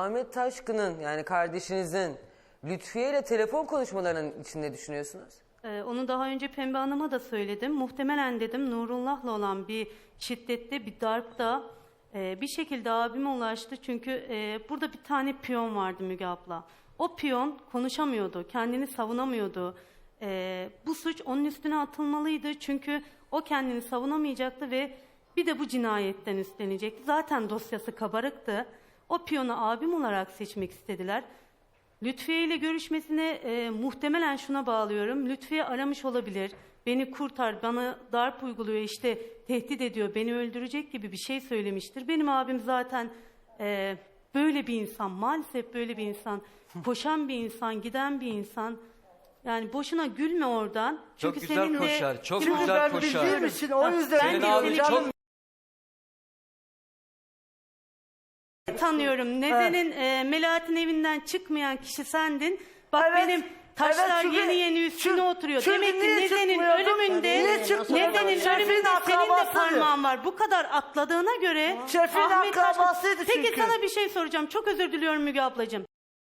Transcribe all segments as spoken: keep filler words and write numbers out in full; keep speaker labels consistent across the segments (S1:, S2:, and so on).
S1: Ahmet Taşkın'ın yani kardeşinizin Lütfiye ile telefon konuşmalarının içinde düşünüyorsunuz?
S2: Ee, onu daha önce Pembe Hanım'a da söyledim. Muhtemelen dedim Nurullah'la olan bir şiddette, bir darpta e, bir şekilde abime ulaştı. Çünkü e, burada bir tane piyon vardı Müge abla. O piyon konuşamıyordu, kendini savunamıyordu. E, bu suç onun üstüne atılmalıydı. Çünkü o kendini savunamayacaktı ve bir de bu cinayetten üstlenecekti. Zaten dosyası kabarıktı. O piyonu abim olarak seçmek istediler. Lütfiye ile görüşmesine e, muhtemelen şuna bağlıyorum. Lütfiye aramış olabilir. Beni kurtar, bana darp uyguluyor, işte tehdit ediyor, beni öldürecek gibi bir şey söylemiştir. Benim abim zaten e, böyle bir insan, maalesef böyle bir insan. Koşan bir insan, giden bir insan. Yani boşuna gülme oradan.
S3: Çok
S2: Çünkü
S3: güzel
S2: seninle...
S3: koşar, çok
S2: Çünkü
S3: güzel
S2: ben
S3: koşar.
S2: bildiğim
S4: için o yüzden
S3: Senin abin çok
S2: tanıyorum. Neden'in e, Melahat'in evinden çıkmayan kişi sendin. Bak
S4: Evet,
S2: benim taşlar
S4: evet, çünkü-
S2: yeni yeni üstüne
S4: çünkü-
S2: oturuyor.
S4: çünkü
S2: Demek ki
S4: niye
S2: Neden'in
S4: çıkmıyordun?
S2: ölümünde,
S4: Niye çıkmıyordun?
S2: Neden'in
S4: Şefin
S2: ölümünde senin de
S4: akrabasıydı.
S2: parmağın var. Bu kadar atladığına göre
S4: Şefin
S2: Ahmet Taşkın-
S4: akrabasıydı
S2: Peki
S4: çünkü.
S2: sana bir şey soracağım. Çok özür diliyorum Müge ablacığım.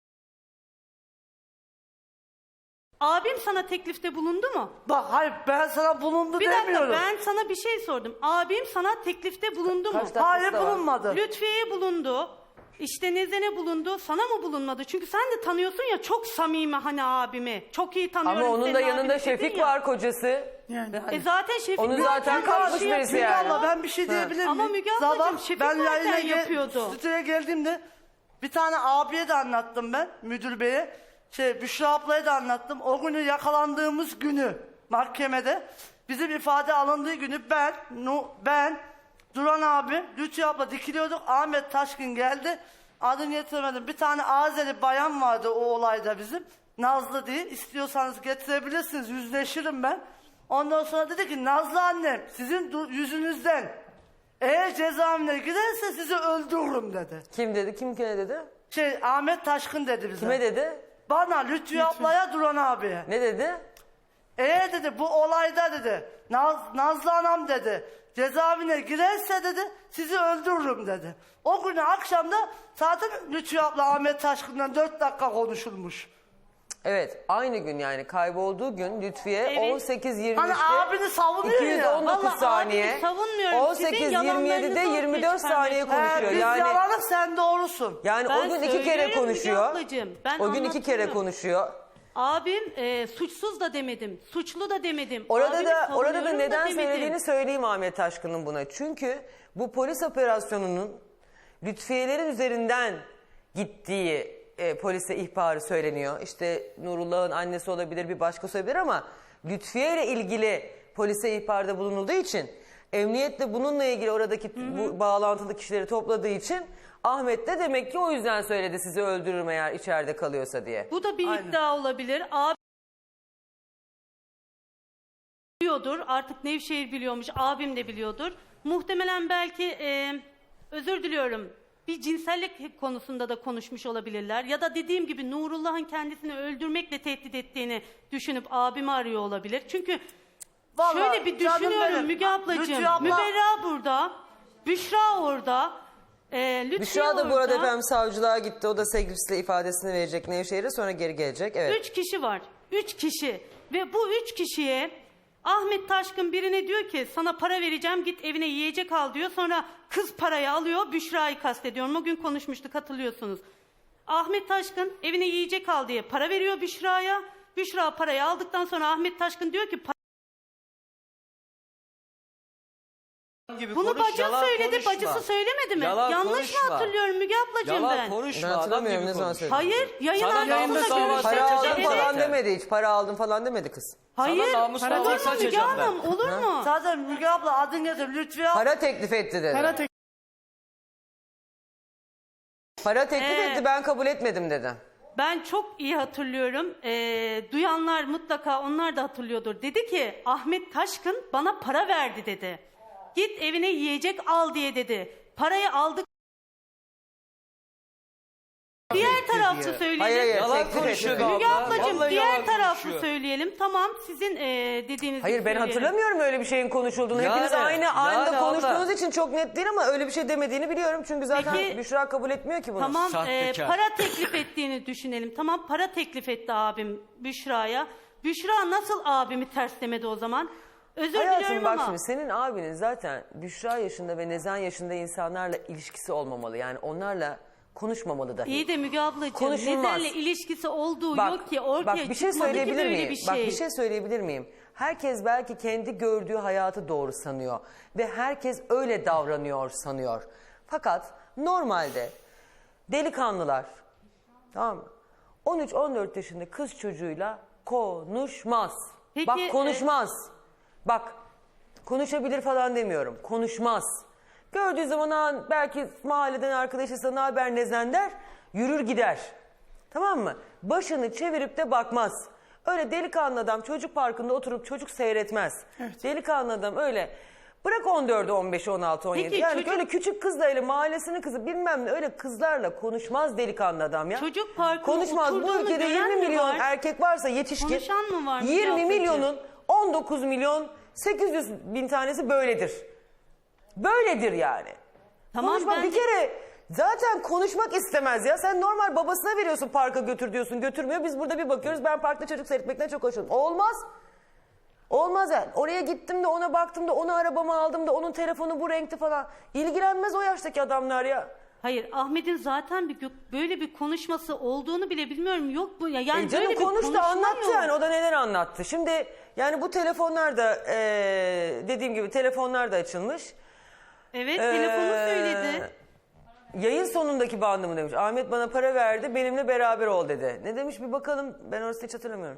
S2: Abim sana teklifte bulundu mu?
S4: Bak hayır ben sana bulundu
S2: Bir dakika,
S4: demiyorum.
S2: ben sana bir şey sordum. Abim sana teklifte bulundu mu?
S1: Kaç dakika-
S4: Hayır
S1: da var.
S4: bulunmadı.
S2: Lütfiye'ye bulundu. İşte Nezen'e bulundu. Sana mı bulunmadı? Çünkü sen de tanıyorsun ya çok samimi hani abimi. Çok iyi tanıyorum.
S1: Ama onun
S2: senin
S1: da
S2: abini
S1: yanında
S2: dedin
S1: Şefik
S2: ya.
S1: var, kocası.
S4: Yani.
S2: E zaten Şefik
S1: Onu zaten kapmış
S2: şey
S1: birisi
S2: yapıyor.
S1: yani.
S4: Abla ben bir şey diyebilir miyim?
S2: Ama Müge ablacığım,
S4: Sabah
S2: Şefik
S4: ben
S2: zaten
S4: yayına gel-
S2: yapıyordu.
S4: stüdyoya geldiğimde bir tane abiye de anlattım ben müdür beye. Şey Büşra ablaya da anlattım. O günü yakalandığımız günü mahkemede bizim ifade alındığı günü ben, Nu, ben, Duran abi, Lütfi abla dikiliyorduk. Ahmet Taşkın geldi. Adını getiremedim. Bir tane Azeri bayan vardı o olayda bizim. Nazlı diye. İstiyorsanız getirebilirsiniz. Yüzleşirim ben. Ondan sonra dedi ki Nazlı annem sizin du- yüzünüzden eğer cezaevine giderse sizi öldürürüm dedi.
S1: Kim dedi? Kim kime dedi?
S4: Şey Ahmet Taşkın dedi bize.
S1: Kime dedi?
S4: Bana Lütfi ablaya Duran abiye.
S1: Ne dedi?
S4: Eğer dedi bu olayda dedi Naz, Nazlı anam dedi cezaevine girerse dedi sizi öldürürüm dedi. O günü akşamda zaten Lütfi abla Ahmet Taşkın'dan dört dakika konuşulmuş.
S1: Evet, aynı gün yani kaybolduğu gün Lütfiye
S2: Evet.
S1: on sekiz yirmi
S4: Hani
S1: üçte
S4: abini savunuyor
S1: iki yüz
S4: ya.
S1: on dokuz
S2: Vallahi
S1: saniye,
S2: abimi savunmuyorum.
S1: on
S2: Sizin
S1: sekiz yirmi yedide
S2: yalanlarınızı
S1: yirmi
S2: ortaya
S1: dört saniye
S2: çıkarmaya
S1: konuşuyor.
S4: He, biz
S1: Yani
S4: yalanız sen doğrusun.
S1: yani
S2: Ben
S1: o gün iki kere
S2: söylüyorum
S1: konuşuyor.
S2: Müge ablacığım, ben
S1: O gün iki kere
S2: anlatıyorum.
S1: konuşuyor.
S2: Abim e, suçsuz da demedim. Suçlu da demedim.
S1: Orada
S2: Abimi
S1: da orada da
S2: savunuyorum
S1: neden
S2: demedim.
S1: söylediğini söyleyeyim Ahmet Taşkın'ın buna. Çünkü bu polis operasyonunun Lütfiyelerin üzerinden gittiği e, polise ihbarı söyleniyor. İşte Nurullah'ın annesi olabilir, bir başkası olabilir ama Lütfiye ile ilgili polise ihbarda bulunulduğu için emniyet de bununla ilgili oradaki bu bağlantılı kişileri topladığı için Ahmet de demek ki o yüzden söyledi sizi öldürürüm eğer içeride kalıyorsa diye.
S2: Bu da bir
S4: Aynen.
S2: iddia olabilir. Abi biliyordur. Artık Nevşehir biliyormuş. Abim de biliyordur. Muhtemelen belki e, özür diliyorum. Bir cinsellik konusunda da konuşmuş olabilirler. Ya da dediğim gibi Nurullah'ın kendisini öldürmekle tehdit ettiğini düşünüp abimi arıyor olabilir. Çünkü
S4: Vallahi
S2: şöyle bir
S4: canım
S2: düşünüyorum
S4: benim.
S2: Müge ablacığım.
S4: Lütfi abla-
S2: Müberra burada. Büşra orada. E, Lütfiye
S1: Büşra da bu arada
S2: orada.
S1: efendim savcılığa gitti. O da sevgilisiyle ifadesini verecek Nevşehir'e, sonra geri gelecek. Evet.
S2: Üç kişi var. Üç kişi. Ve bu üç kişiye Ahmet Taşkın birine diyor ki sana para vereceğim git evine yiyecek al diyor. Sonra kız parayı alıyor, Büşra'yı kastediyorum. O gün konuşmuştuk, hatırlıyorsunuz. Ahmet Taşkın evine yiyecek al diye para veriyor Büşra'ya. Büşra parayı aldıktan sonra Ahmet Taşkın diyor ki
S3: gibi
S2: bunu
S3: konuş,
S2: bacı
S3: yalan
S2: söyledi,
S3: konuşma.
S2: bacısı söylemedi mi?
S3: Yalan
S2: Yanlış
S3: konuşma.
S2: mı hatırlıyorum Müge ablacığım
S3: Yalan
S2: ben?
S3: konuşma,
S1: Ben
S3: adam
S1: hatırlamıyorum,
S3: gibi
S1: ne zaman
S3: konuş.
S1: söyledin?
S2: Hayır, yayın
S3: Sana
S2: arkasında
S3: namus
S2: görüşte
S3: davası
S1: Para
S3: açacağım
S1: aldım
S3: Evet.
S1: falan demedi hiç. Para aldım falan demedi kız.
S2: Hayır,
S3: namus
S2: olur
S3: davası
S2: mu Müge
S3: açacağım ben.
S2: Hanım, olur mu?
S4: Zaten Müge abla adın getir Lütfi abla.
S1: Para teklif etti dedi. Para,
S5: Para tek-
S1: teklif
S2: Ee,
S1: etti, ben kabul etmedim dedi.
S2: Ben çok iyi hatırlıyorum. Ee, duyanlar mutlaka onlar da hatırlıyordur. Dedi ki Ahmet Taşkın bana para verdi dedi. Git evine yiyecek al diye dedi. Parayı aldık. Diğer tarafta tarafı
S3: diye.
S2: söyleyelim.
S1: Hayır hayır.
S3: Yalan
S1: teklif
S3: konuşuyor
S1: etmedi.
S3: abla.
S2: Müge ablacığım
S3: Vallahi
S2: diğer
S3: yalan
S2: tarafı
S3: konuşuyor.
S2: söyleyelim. Tamam sizin e, dediğinizi
S1: Hayır ben
S2: söyleyelim.
S1: hatırlamıyorum öyle bir şeyin konuşulduğunu.
S3: Yani,
S1: Hepiniz aynı anda
S3: yani
S1: konuştuğunuz
S3: abla.
S1: için çok net değil ama öyle bir şey demediğini biliyorum. Çünkü zaten
S2: Peki-
S1: Büşra kabul etmiyor ki bunu.
S2: Tamam e,
S3: Sahtekar.
S2: para teklif ettiğini düşünelim. Tamam para teklif etti abim Büşra'ya. Büşra nasıl abimi terslemedi o zaman? Özür
S1: Hayatım
S2: diliyorum
S1: bak
S2: ama.
S1: şimdi senin abinin zaten Büşra yaşında ve Nezen yaşında insanlarla ilişkisi olmamalı. Yani onlarla konuşmamalı dahi.
S2: İyi de Müge ablacığım
S1: Konuşulmaz.
S2: Nezen'le ilişkisi olduğu
S1: Bak,
S2: yok ki ortaya
S1: bak bir şey
S2: çıkmadı ki
S1: söyleyebilir
S2: böyle
S1: miyim?
S2: bir şey.
S1: Bak bir şey söyleyebilir miyim? Herkes belki kendi gördüğü hayatı doğru sanıyor ve herkes öyle davranıyor sanıyor. Fakat normalde delikanlılar, tamam mı? on üç on dört yaşında kız çocuğuyla konuşmaz.
S2: Peki,
S1: Bak
S2: e-
S1: konuşmaz. Bak konuşabilir falan demiyorum. Konuşmaz. Gördüğü zaman "Aa, belki mahalleden arkadaşıysa ne haber Nezen der, yürür gider. Tamam mı? Başını çevirip de bakmaz. Öyle delikanlı adam çocuk parkında oturup çocuk seyretmez. Delikanlı adam öyle bırak on dördü on beşi on altı on yedi.
S2: Peki,
S1: Yani
S2: çocuk-
S1: öyle küçük kızla öyle mahallesinin kızı bilmem ne öyle kızlarla konuşmaz delikanlı adam ya.
S2: Çocuk parkına
S1: konuşmaz. Bu
S2: oturduğunu
S1: ülkede
S2: gören
S1: yirmi
S2: mi
S1: milyon
S2: var?
S1: erkek varsa yetişkin.
S2: Konuşan mı var Müge
S1: yirmi
S2: ablacığım?
S1: milyonun on dokuz milyon sekiz yüz bin tanesi böyledir. Böyledir yani.
S2: Tamam,
S1: Konuşmak
S2: ben
S1: bir
S2: de-
S1: kere zaten konuşmak istemez ya. Sen normal babasına veriyorsun parka götür diyorsun götürmüyor. Biz burada bir bakıyoruz ben parkta çocuk seyretmekten çok hoşlanıyorum. Olmaz. Olmaz yani. Oraya gittim de ona baktım da onu arabama aldım da onun telefonu bu renkti falan. İlgilenmez o yaştaki adamlar ya.
S2: Hayır Ahmet'in zaten bir gö- böyle bir konuşması olduğunu bile bilmiyorum. Yok bu ya yani
S1: E canım
S2: böyle bir
S1: konuştu
S2: konuşma
S1: anlattı
S2: yok.
S1: yani o da neler anlattı. Şimdi yani bu telefonlar da e, dediğim gibi telefonlar da açılmış.
S2: Evet
S1: Ee,
S2: telefonu söyledi.
S1: Yayın sonundaki bandı mı demiş. Ahmet bana para verdi benimle beraber ol dedi. Ne demiş bir bakalım ben orası hiç hatırlamıyorum.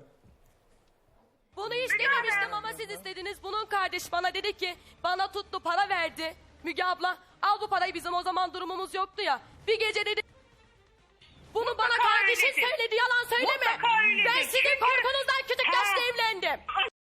S5: Bunu hiç dememiştim ama siz istediniz. Bunun kardeş bana dedi ki bana tuttu para verdi. Müge abla al bu parayı bizim o zaman durumumuz yoktu ya. Bir gece dedi. Bunu bana
S6: Mutlaka
S5: kardeşin
S6: öyledir.
S5: söyledi yalan söyleme.
S6: Mutlaka öyledir.
S5: Ben sizin
S6: Çünkü-
S5: korkunuzdan küçük yaşta
S6: Aa.
S5: evlendim.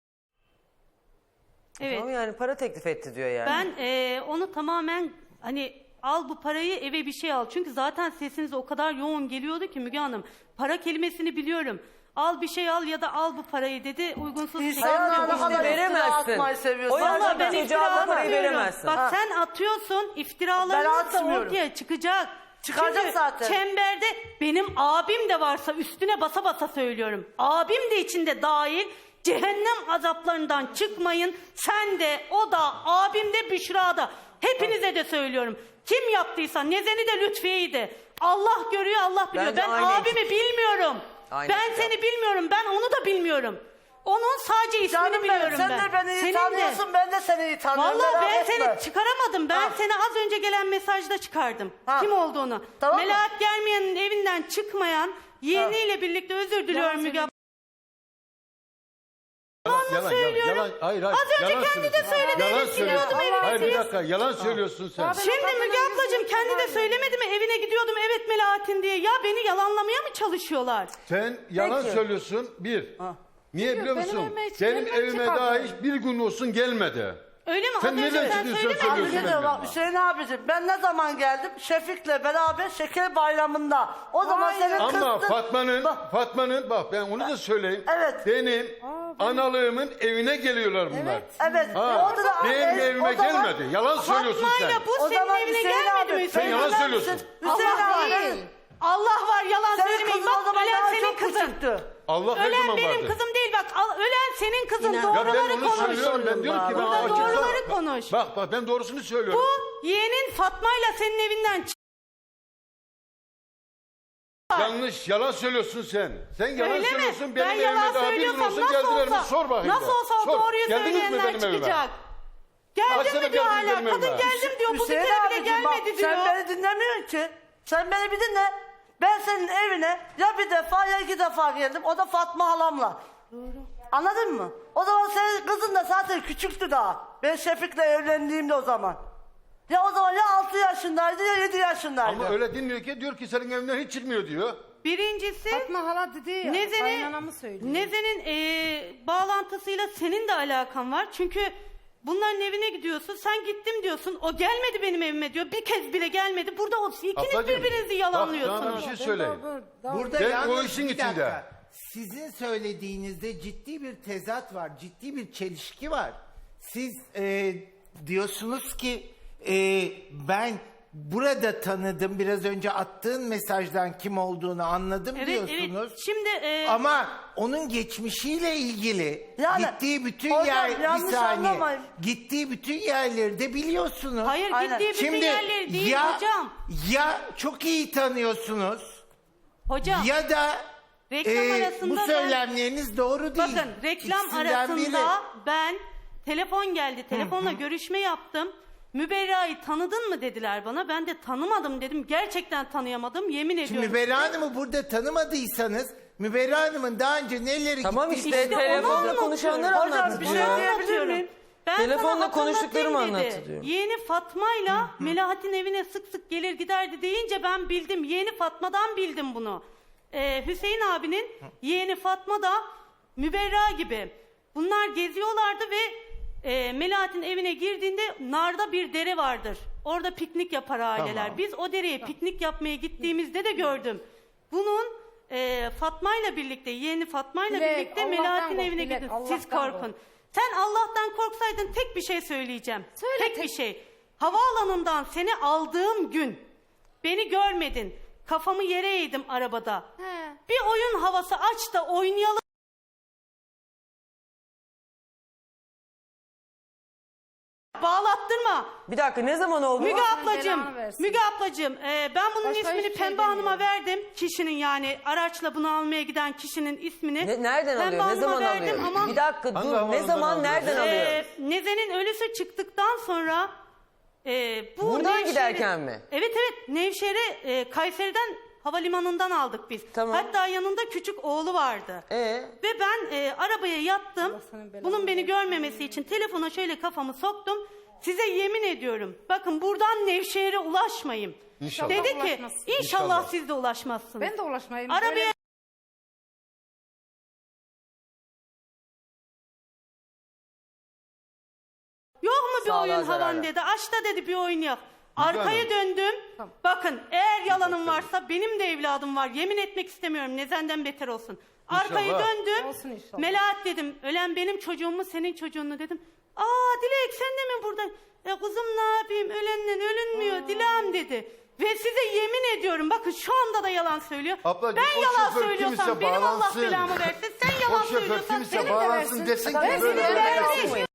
S2: Evet.
S1: Tamam yani para teklif etti diyor yani.
S2: Ben e, onu tamamen hani al bu parayı eve bir şey al. Çünkü zaten sesiniz o kadar yoğun geliyordu ki Müge Hanım. Para kelimesini biliyorum. Al bir şey al ya da al bu parayı dedi. Uygunsuz bir şekilde.
S4: İnsanlara ne
S1: işte
S4: kadar iftira
S1: veremezsin.
S4: atmayı seviyorsun.
S1: O yaşta
S2: Vallahi ben
S1: çocuğa
S2: iftira
S1: bu parayı
S2: atmıyorum.
S1: veremezsin.
S2: Bak
S4: Ha.
S2: sen atıyorsun
S4: Ben
S2: iftiraların da
S4: atmıyorum.
S2: ortaya çıkacak.
S4: Çıkacak
S2: Çünkü
S4: zaten.
S2: çemberde benim abim de varsa üstüne basa basa söylüyorum. Abim de içinde dahil. Cehennem azaplarından çıkmayın. Sen de o da abim de Büşra da. Hepinize de söylüyorum. Kim yaptıysa Nezen'i de Lütfiye'yi de. Allah görüyor Allah biliyor.
S1: Bence
S2: ben
S1: aynı
S2: abimi
S1: ekip.
S2: bilmiyorum.
S1: Aynı
S2: ben
S1: ekip.
S2: seni bilmiyorum. Ben onu da bilmiyorum. Onun sadece ismini
S4: Canım benim
S2: biliyorum
S4: sen
S2: ben.
S4: de beni iyi
S2: Senin de.
S4: tanıyorsun ben de seni iyi tanıyorum.
S2: Vallahi
S4: merak
S2: ben
S4: etme.
S2: seni çıkaramadım. Ben
S4: Ha.
S2: seni az önce gelen mesajda çıkardım.
S4: Ha.
S2: Kim olduğunu.
S4: Tamam mı?
S2: Melahat Germiyan'ın evinden çıkmayan yeğeniyle birlikte özür diliyorum Müge abla.
S7: Yalan,
S2: söylüyorum.
S7: yalan, yalan, hayır, hayır.
S2: Az önce
S7: yalan
S2: kendi de
S7: söylüyorsun.
S2: söyledi,
S7: Yalan
S2: evet,
S7: söylüyorsun.
S2: gidiyordum, evet,
S7: Hayır bir
S2: evet.
S7: dakika, yalan söylüyorsun sen.
S2: Şimdi Müge ablacığım kendi de söylemedi mi evine gidiyordum evet Melahat'in diye. Ya beni yalanlamaya mı çalışıyorlar?
S7: Sen yalan
S1: Peki.
S7: söylüyorsun, bir. Niye biliyor
S2: benim
S7: musun?
S2: evime hiç
S7: Benim
S2: gelmedi,
S7: evime
S2: çıkardı.
S7: daha hiç bir gün olsun gelmedi.
S2: Öyle mi?
S7: Sen
S2: Az önce
S7: neden
S2: sen
S7: çıkıyorsun,
S2: söylemedin
S7: söylüyorsun?
S2: mi?
S4: Bir de
S7: Söylüyorsun
S4: bak
S7: benimle.
S4: Hüseyin abicim ben ne zaman geldim? Şefik'le beraber şeker bayramında. O zaman senin
S7: Ama
S4: kızdın.
S7: Fatma'nın,
S4: Bak,
S7: Fatma'nın bak ben onu da söyleyeyim.
S4: Evet.
S7: Benim analığımın evine geliyorlar bunlar.
S4: Evet.
S7: Ha,
S4: orada da-
S7: benim
S4: evet,
S7: evime
S4: o zaman-
S7: gelmedi. Yalan söylüyorsun sen.
S2: Fatma'yla bu
S4: O
S2: senin
S4: zaman
S2: evine
S4: Hüseyin
S2: gelmedi
S4: abi,
S2: mi?
S7: Sen
S2: Hüseyin
S7: yalan
S2: abi?
S7: söylüyorsun.
S4: Hüseyin
S2: Allah
S4: abi.
S2: değil. Allah var yalan
S4: Senin
S2: söylemeyin.
S4: kızın o
S2: Bak
S4: zaman
S2: ölen
S4: daha
S2: senin
S4: çok
S2: kızın.
S4: küçüktü.
S7: Allah her
S2: Ölen
S7: zaman
S2: benim
S7: vardır.
S2: kızım değil bak. al- Ölen senin kızın.
S7: Ya ben
S2: Doğruları
S7: onu
S2: konuş.
S7: söylüyorum. Ben diyorum ki ben
S2: Burada
S7: açıkta-
S2: doğruları konuş.
S7: Bak bak ben doğrusunu söylüyorum.
S2: Bu yeğenin Fatma'yla senin evinden çık.
S7: Yanlış, yalan söylüyorsun sen. Sen yalan
S2: Öyle mi?
S7: söylüyorsun.
S2: Ben
S7: Benim
S2: yalan
S7: evime daha bir gün
S2: söylüyorsam
S7: olsun
S2: nasıl
S7: geldiler mi?
S2: olsa,
S7: Sor bakayım.
S2: nasıl
S7: de.
S2: olsa o
S7: Sor.
S2: doğruyu
S7: Geldiniz mi
S2: söyleyenler
S7: benim evime?
S2: çıkacak.
S7: Kaç
S2: Geldim
S7: sene
S2: mi diyor
S7: geldiniz
S2: hala.
S7: benim
S2: Kadın
S7: evime?
S2: geldim diyor. Bu
S4: Hüseyin
S2: gece bile
S4: abicim bak,
S2: gelmedi diyor.
S4: sen beni dinlemiyorsun ki. Sen beni bir dinle. Ben senin evine ya bir defa ya iki defa geldim. O da Fatma halamla. Anladın mı? O zaman senin kızın da zaten küçüktü daha. Ben Şefik'le evlendiğimde o zaman. Ya o zaman ya altı yaşındaydı ya yedi yaşındaydı.
S7: Ama öyle dinmiyor ki diyor ki senin evinden hiç çıkmıyor diyor.
S2: Birincisi
S8: Fatma hala dedi ya.
S2: Nezen'in
S8: kaynanamı söylüyor.
S2: Nezen'in eee, bağlantısıyla senin de alakan var. Çünkü Bunların evine gidiyorsun. Sen gittim diyorsun. O gelmedi benim evime diyor. Bir kez bile gelmedi. Burada o ikiniz
S7: Ablacığım,
S2: birbirinizi
S7: bak,
S2: yalanlıyorsunuz.
S7: sana bir şey söyleyeyim.
S6: Burada
S7: Ben
S6: yalnız
S7: o işin
S6: bir dakika.
S7: içinde.
S6: Sizin söylediğinizde ciddi bir tezat var, ciddi bir çelişki var. Siz e, diyorsunuz ki e, ben burada tanıdım, biraz önce attığın mesajdan kim olduğunu anladım
S2: Evet,
S6: diyorsunuz.
S2: evet. Şimdi e,
S6: Ama onun geçmişiyle ilgili
S4: Yani,
S6: gittiği bütün
S4: hocam,
S6: yer bir
S4: yanlış
S6: saniye.
S4: anlamayın.
S6: Gittiği bütün yerleri de biliyorsunuz.
S2: hayır
S4: Aynen.
S2: gittiği bütün
S6: Şimdi
S2: yerleri değil
S6: ya,
S2: hocam.
S6: ya çok iyi tanıyorsunuz
S2: Hocam.
S6: ya da
S2: Reklam
S6: e,
S2: arasında
S6: bu
S2: ben-
S6: söylemleriniz doğru değil.
S2: Bakın reklam
S6: İkisinden
S2: arasında
S6: biri.
S2: ben telefon geldi. Telefonla görüşme yaptım. Müberra'yı tanıdın mı dediler bana. Ben de tanımadım dedim. Gerçekten tanıyamadım. Yemin
S6: Şimdi
S2: ediyorum.
S6: Müberra Hanım'ı burada tanımadıysanız Müberra Hanım'ın daha önce neleri
S1: Tamam
S6: gitti-
S1: işte,
S2: İşte onu
S1: telefonla
S2: anlatıyorum.
S1: konuşanları
S2: Hocam,
S1: anlattı
S2: bir
S1: diyor.
S2: şey
S1: ya.
S2: anlatıyorum.
S4: miyim?
S2: Ben
S1: Telefonla
S2: sana
S1: konuştuklarımı
S2: hatırlatayım
S1: anlattı
S2: dedi.
S1: diyor.
S2: Yeğeni Fatma'yla Melahat'in evine sık sık gelir giderdi deyince ben bildim. Yeğeni Fatma'dan bildim bunu. Ee, Hüseyin abinin yeğeni Fatma da Müberra gibi. Bunlar geziyorlardı ve e, Melahat'in evine girdiğinde narda bir dere vardır. Orada piknik yapar aileler.
S6: Tamam.
S2: Biz o dereye piknik yapmaya gittiğimizde de gördüm. Bunun e, Fatma'yla birlikte, yeğeni Fatma'yla
S8: Dilek,
S2: birlikte
S8: Allah'tan
S2: Melahat'in
S8: kork,
S2: evine
S8: Dilek,
S2: gidin.
S8: Allah'tan
S2: Siz korkun.
S8: kork.
S2: Sen Allah'tan korksaydın tek bir şey söyleyeceğim.
S8: Söyle,
S2: tek
S8: tek-
S2: bir şey. Havaalanından seni aldığım gün beni görmedin. Kafamı yere eğdim arabada.
S8: He.
S2: Bir oyun havası aç da oynayalım. Bağlattırma.
S1: Bir dakika, ne zaman oldu?
S2: Müge
S8: Allah
S2: ablacığım,
S8: belanı versin.
S2: Müge ablacığım e, ben bunun
S8: Başka
S2: ismini
S8: hiçbir şey
S2: Pembe Hanım'a
S8: demiyorum.
S2: verdim. Kişinin yani araçla bunu almaya giden kişinin ismini.
S1: Ne- nereden
S2: Pembe
S1: alıyor? Ne
S2: Hanım'a
S1: zaman
S2: verdim
S1: alıyor?
S2: ama
S1: Bir dakika
S7: Hangi
S1: dur. Ne
S7: havaalanından
S1: zaman,
S7: alıyor?
S1: nereden alıyor?
S2: e, Nezen'in ölüsü çıktıktan sonra e, bu
S1: Buradan
S2: Nevşehir'e-
S1: giderken mi?
S2: Evet evet Nevşehir'e e, Kayseri'den havalimanından aldık biz.
S1: Tamam.
S2: Hatta yanında küçük oğlu vardı.
S1: Ee?
S2: Ve ben e, arabaya yattım. Bunun beni görmemesi için telefona şöyle kafamı soktum. Size yemin ediyorum. Bakın buradan Nevşehir'e ulaşmayın.
S7: İnşallah.
S2: Dedi ki
S8: Ulaşmazsın.
S2: inşallah,
S7: İnşallah.
S2: siz de ulaşmazsınız.
S8: Ben de ulaşmayayım.
S2: Arabaya
S8: Böyle-
S2: yok mu bir
S1: Sağlığa
S2: oyun havan
S1: zararlı.
S2: dedi. Aç da dedi bir oyun yap. Arkaya döndüm. Bakın eğer yalanım varsa benim de evladım var. Yemin etmek istemiyorum. Nezenden beter olsun. Arkayı
S7: İnşallah.
S2: döndüm.
S8: Olsun inşallah.
S2: Melahat dedim. Ölen benim çocuğum mu senin çocuğun mu dedim. Aa Dilek sen de mi burada? E kızım ne yapayım ölenden ölünmüyor Dilan dedi. Ve size yemin ediyorum bakın şu anda da yalan söylüyor.
S7: Ablacığım,
S2: ben
S7: o
S2: yalan
S7: şoför
S2: söylüyorsam
S7: kimse
S2: benim Allah
S7: bağlansın.
S2: belamı versin. Sen yalan
S7: O şoför
S2: söylüyorsan
S7: kimse
S2: benim de
S7: bağlansın
S8: versin.
S7: desin ki
S8: Ben
S7: böyle
S8: size
S7: böyle
S8: versin.
S7: yapmayın.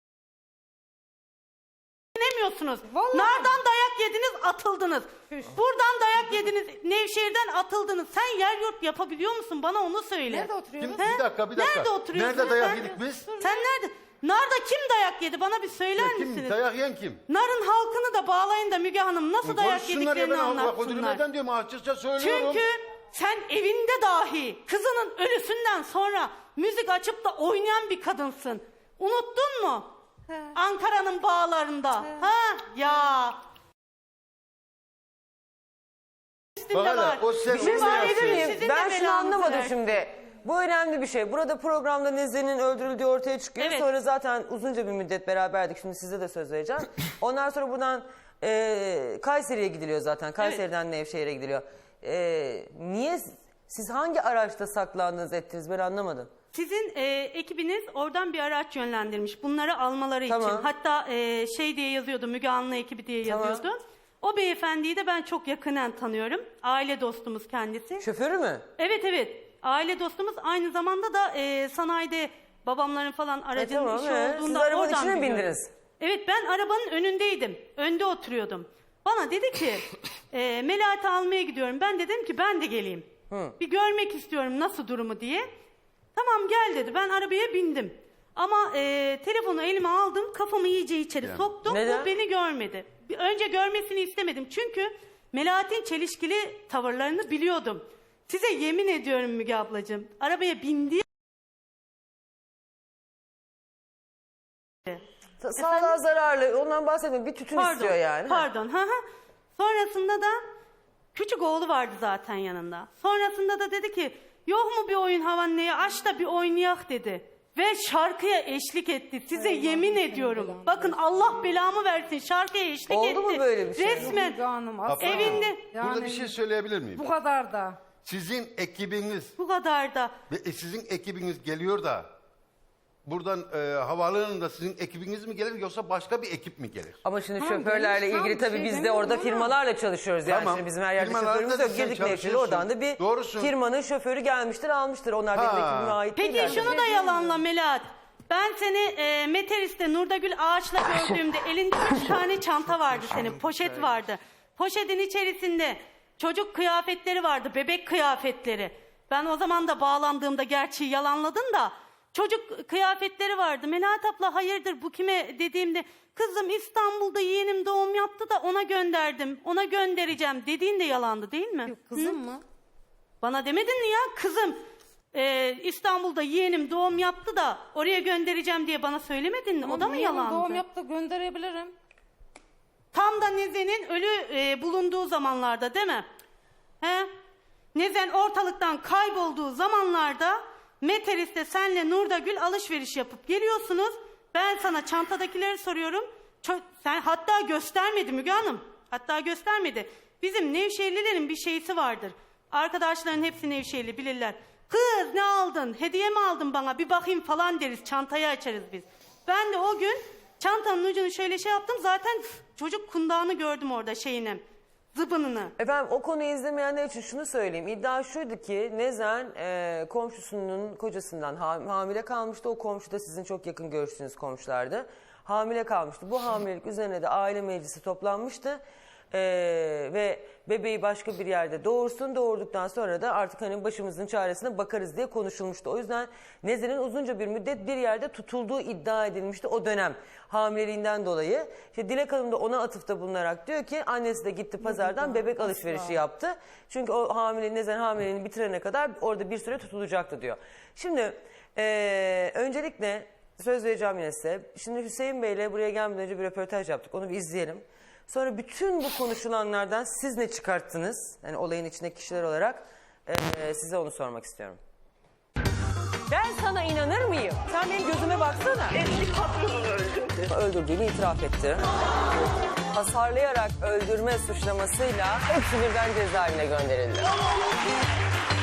S2: dinlemiyorsunuz.
S8: Vallahi.
S2: Nardan dayak yediniz atıldınız. Buradan dayak yediniz Nevşehir'den atıldınız. Sen yer yurt yapabiliyor musun? Bana onu söyle.
S8: Nerede oturuyorsun?
S7: Kim- Bir dakika bir dakika.
S2: Nerede oturuyorsun?
S7: Nerede dayak
S2: Sen-
S7: yedik biz?
S2: Sen nerede? Narda kim dayak yedi? Bana bir söyler
S7: Kim?
S2: misiniz?
S7: Dayak yiyen kim?
S2: Narın halkını da bağlayın da Müge Hanım nasıl dayak
S7: Konuşsunlar ya,
S2: yediklerini
S7: ben Allah kodumu
S2: anlatsınlar.
S7: neden diyorum, açıkça söylüyorum.
S2: Çünkü sen evinde dahi kızının ölüsünden sonra müzik açıp da oynayan bir kadınsın. Unuttun mu?
S8: He.
S2: Ankara'nın bağlarında. Ha ya. Üstünde
S7: Bak hele,
S2: var.
S7: o sen-
S1: Bir şey
S7: onu
S1: söyleyebilir
S7: yapsın.
S1: miyim?
S2: Sizin de
S1: Ben şunu
S2: belanızı
S1: anlamadım
S2: versin.
S1: şimdi. Bu önemli bir şey. Burada programda Nezihe'nin öldürüldüğü ortaya çıkıyor.
S2: Evet.
S1: Sonra zaten uzunca bir müddet beraberdik. Şimdi size de söz vereceğim. Ondan sonra buradan e, Kayseri'ye gidiliyor zaten. Kayseri'den Nevşehir'e gidiliyor. E, niye, siz hangi araçta saklandınız ettiniz ben anlamadım.
S2: Sizin e, ekibiniz oradan bir araç yönlendirmiş bunları almaları
S1: Tamam.
S2: için. Hatta e, şey diye yazıyordu Müge Anlı ekibi diye
S1: Tamam.
S2: yazıyordu. O beyefendiyi de ben çok yakından tanıyorum. Aile dostumuz kendisi.
S1: Şoförü mü?
S2: Evet evet. Aile dostumuz aynı zamanda da e, sanayide babamların falan aracının
S1: tamam,
S2: işi
S1: evet.
S2: olduğunda
S1: Siz arabanın
S2: oradan
S1: içine mi
S2: biliyorum.
S1: bindiniz?
S2: Evet ben arabanın önündeydim. Önde oturuyordum. Bana dedi ki e, Melahat'i almaya gidiyorum. Ben dedim ki ben de geleyim. Bir görmek istiyorum nasıl durumu diye. Tamam gel dedi. Ben arabaya bindim. Ama e, telefonu elime aldım. Kafamı iyice içeri soktum.
S1: Neden?
S2: O beni görmedi. Bir- Önce görmesini istemedim. Çünkü Melahat'in çelişkili tavırlarını biliyordum. Size yemin ediyorum Müge ablacığım. Arabaya bindiği
S1: Sa- Sağlığa zararlı. Ondan bahsetmiyorum. Bir tütün
S2: Pardon,
S1: istiyor yani.
S2: Pardon. Hı hı. Sonrasında da küçük oğlu vardı zaten yanında. Sonrasında da dedi ki yok mu bir oyun havaneye aç da bir oynayak dedi. Ve şarkıya eşlik etti. Size yemin ediyorum. Bakın Allah belamı versin. Şarkıya eşlik
S1: Oldu
S2: etti.
S1: mu böyle bir şey?
S2: Resmen
S8: Müge Hanım, asla.
S2: evinde
S7: Burada bir şey söyleyebilir miyim?
S8: Bu kadar da.
S7: Sizin ekibiniz
S2: bu kadar da.
S7: ve e, sizin ekibiniz geliyor da buradan e, havaalanında sizin ekibiniz mi gelir yoksa başka bir ekip mi gelir?
S1: Ama şimdi
S8: Tamam,
S1: şoförlerle
S8: benim şu an
S1: ilgili
S8: bir
S1: tabii
S8: şey
S1: biz de
S8: demiyorum
S1: orada
S8: ama-
S1: firmalarla çalışıyoruz. Yani
S7: Tamam.
S1: şimdi bizim her yerde
S7: Firmalarda
S1: şoförümüz
S7: da
S1: yok.
S7: sen
S1: Girdik Nevşehir'e
S7: çalışıyorsun.
S1: oradan da bir
S7: Doğrusun.
S1: firmanın şoförü gelmiştir almıştır. Onlar benim
S7: Ha.
S1: ekibime ait
S2: Peki
S1: değiller.
S2: şunu da yalanla Melahat. Ben seni e, Meteris'te Nurdagül Ağaç'la gördüğümde elinde üç tane çanta vardı senin. Poşet vardı. Poşetin içerisinde çocuk kıyafetleri vardı. Bebek kıyafetleri. Ben o zaman da bağlandığımda gerçeği yalanladın da çocuk kıyafetleri vardı. Melahat abla hayırdır bu kime dediğimde kızım İstanbul'da yeğenim doğum yaptı da ona gönderdim. Ona göndereceğim dediğin de yalandı değil mi?
S8: Kızım mı?
S2: Bana demedin mi ya kızım e, İstanbul'da yeğenim doğum yaptı da oraya göndereceğim diye bana söylemedin mi? O da mı
S8: Yeğenim
S2: yalandı?
S8: Doğum yaptı, gönderebilirim.
S2: Tam da Nezen'in ölü e, bulunduğu zamanlarda değil mi? He? Nezen ortalıktan kaybolduğu zamanlarda Meteris'te senle Nurdagül alışveriş yapıp geliyorsunuz. Ben sana çantadakileri soruyorum. Ço- sen hatta göstermedi Müge Hanım. Hatta göstermedi. Bizim Nevşehirlilerin bir şeysi vardır. Arkadaşların hepsi Nevşehirli bilirler. Kız ne aldın? Hediye mi aldın bana? Bir bakayım falan deriz. Çantayı açarız biz. Ben de o gün çantanın ucunu şöyle şey yaptım. Zaten çocuk kundağını gördüm orada şeyine. Zıbınını.
S1: Efendim o konuyu izlemeyenler için şunu söyleyeyim. İddia şuydu ki Nezen e, komşusunun kocasından ha- hamile kalmıştı. O komşu da sizin çok yakın görüştüğünüz komşulardı. Hamile kalmıştı. Bu hamilelik üzerine de aile meclisi toplanmıştı. E, ve bebeği başka bir yerde doğursun. Doğurduktan sonra da artık hani başımızın çaresine bakarız diye konuşulmuştu. O yüzden Nezen'in uzunca bir müddet bir yerde tutulduğu iddia edilmişti o dönem hamileliğinden dolayı. İşte Dilek Hanım da ona atıfta bulunarak diyor ki annesi de gitti pazardan bebek alışverişi yaptı. Çünkü o hamile Nezen hamileliğini bitirene kadar orada bir süre tutulacaktı diyor. Şimdi eee, öncelikle söz vereceğim yine size. Şimdi Hüseyin Bey'le buraya gelmeden önce bir röportaj yaptık. Onu bir izleyelim. Sonra bütün bu konuşulanlardan siz ne çıkarttınız? Yani olayın içindeki kişiler olarak eee, size onu sormak istiyorum. Ben sana inanır mıyım? Sen benim gözüme baksana.
S9: Eski patronunu öldürdü.
S1: Öldürdüğünü itiraf etti. Hasarlayarak öldürme suçlamasıyla hepsi birden cezaevine gönderildi.